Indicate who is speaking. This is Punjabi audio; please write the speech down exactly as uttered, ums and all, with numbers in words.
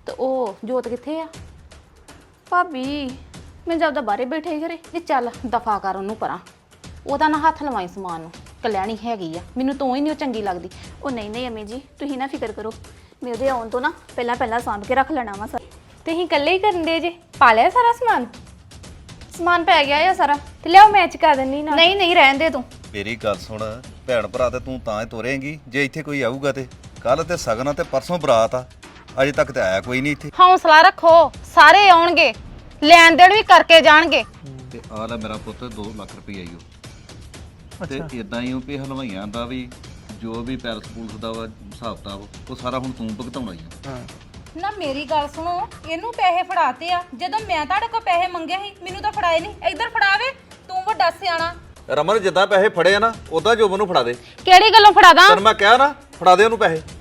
Speaker 1: ਤੇ ਉਹ ਜੋਤ ਕਿੱਥੇ ਆ?
Speaker 2: ਭਾਬੀ ਮੈਂ ਜਦ ਬਾਹਰੇ ਬੈਠੇ ਹੀ ਘਰੇ।
Speaker 1: ਨਹੀਂ ਚੱਲ ਦਫਾ ਕਰ ਉਹਨੂੰ ਪਰਾਂ, ਉਹਦਾ ਨਾ ਹੱਥ ਲਵਾਈ ਸਮਾਨ ਨੂੰ। ਕਲਿਆਣੀ ਹੈਗੀ ਆ, ਮੈਨੂੰ ਤੋਂ ਹੀ ਨਹੀਂ ਉਹ ਚੰਗੀ ਲੱਗਦੀ।
Speaker 2: ਉਹ ਨਹੀਂ ਨਹੀਂ ਅਮੀ ਜੀ, ਤੁਸੀਂ ਨਾ ਫਿਕਰ ਕਰੋ, ਮੈਂ ਉਹਦੇ ਆਉਣ ਤੋਂ ਨਾ ਪਹਿਲਾਂ ਪਹਿਲਾਂ ਸਾਂਭ ਕੇ ਰੱਖ ਲੈਣਾ ਵਾ ਸਰ।
Speaker 3: ਤੁਸੀਂ ਇਕੱਲੇ ਹੀ ਕਰਨ ਦੇ ਜੇ? ਪਾ ਲਿਆ ਸਾਰਾ ਸਮਾਨ?
Speaker 2: ਸਮਾਨ ਪੈ ਗਿਆ ਆ ਸਾਰਾ।
Speaker 3: ਤੇ ਲਿਆਓ ਮੈਂ ਚੁਕਾ ਦਿੰਨੀ ਨਾ।
Speaker 2: ਨਹੀਂ ਨਹੀਂ ਰਹਿਣ ਦੇ ਤੂੰ।
Speaker 4: ਮੇਰੀ ਗੱਲ ਸੁਣ, ਭੈਣ ਭਰਾ ਤੇ ਤੂੰ ਤਾਂ ਹੀ ਤੋਰੇਂਗੀ ਜੇ ਇੱਥੇ ਕੋਈ ਆਊਗਾ ਤੇ। ਕੱਲ ਤੇ ਸਗਨ ਤੇ ਪਰਸੋਂ ਬਰਾਤ ਆ, ਅਜੇ ਤੱਕ ਤੇ ਆਇਆ ਕੋਈ ਨਹੀਂ ਇੱਥੇ।
Speaker 1: ਹੌਸਲਾ ਰੱਖੋ, ਸਾਰੇ ਆਉਣਗੇ, ਲੈਣ ਦੇਣ ਵੀ ਕਰਕੇ ਜਾਣਗੇ।
Speaker 4: ਤੇ ਆ ਲੈ ਮੇਰਾ ਪੁੱਤ ਦੋ ਲੱਖ ਰੁਪਈਆ ਈ ਉਹ। ਤੇ ਇਦਾਂ ਹੀ ਉਹ ਵੀ ਹਲਵਾਈਆਂ ਦਾ ਵੀ ਜੋ ਵੀ ਪੈਲਸ ਪੂਲਸ ਦਾ ਵਾ ਹਿਸਾਬ ਕਿਤਾਬ ਉਹ ਸਾਰਾ ਹੁਣ ਤੂੰ ਭੁਗਤਾਉਣਾ ਹੀ ਆ।
Speaker 5: ਨਾ ਮੇਰੀ ਗੱਲ ਸੁਣੋ, ਇਹਨੂੰ ਪੈਸੇ ਫੜਾਤੇ ਆ। ਜਦੋਂ ਮੈਂ ਤੁਹਾਡੇ ਕੋਲ ਪੈਸੇ ਮੰਗੇ ਸੀ ਮੈਨੂੰ ਤਾਂ ਫੜਾਏ ਨਹੀਂ। ਇੱਧਰ ਫੜਾਵੇ, ਤੂੰ ਵੱਡਾ ਸਿਆਣਾ।
Speaker 4: ਰਮਨ ਜਿੱਦਾਂ ਪੈਸੇ ਫੜੇ ਆ ਨਾ ਉਦਾਂ ਜੋਬਨ ਨੂੰ ਫੜਾ ਦੇ।
Speaker 1: ਕਿਹੜੀ ਗੱਲੋਂ ਫੜਾਦਾ?
Speaker 4: ਤੈਨੂੰ ਮੈਂ ਕਿਹਾ ਨਾ ਫੜਾ ਦੇ ਉਹਨੂੰ ਪੈਸੇ।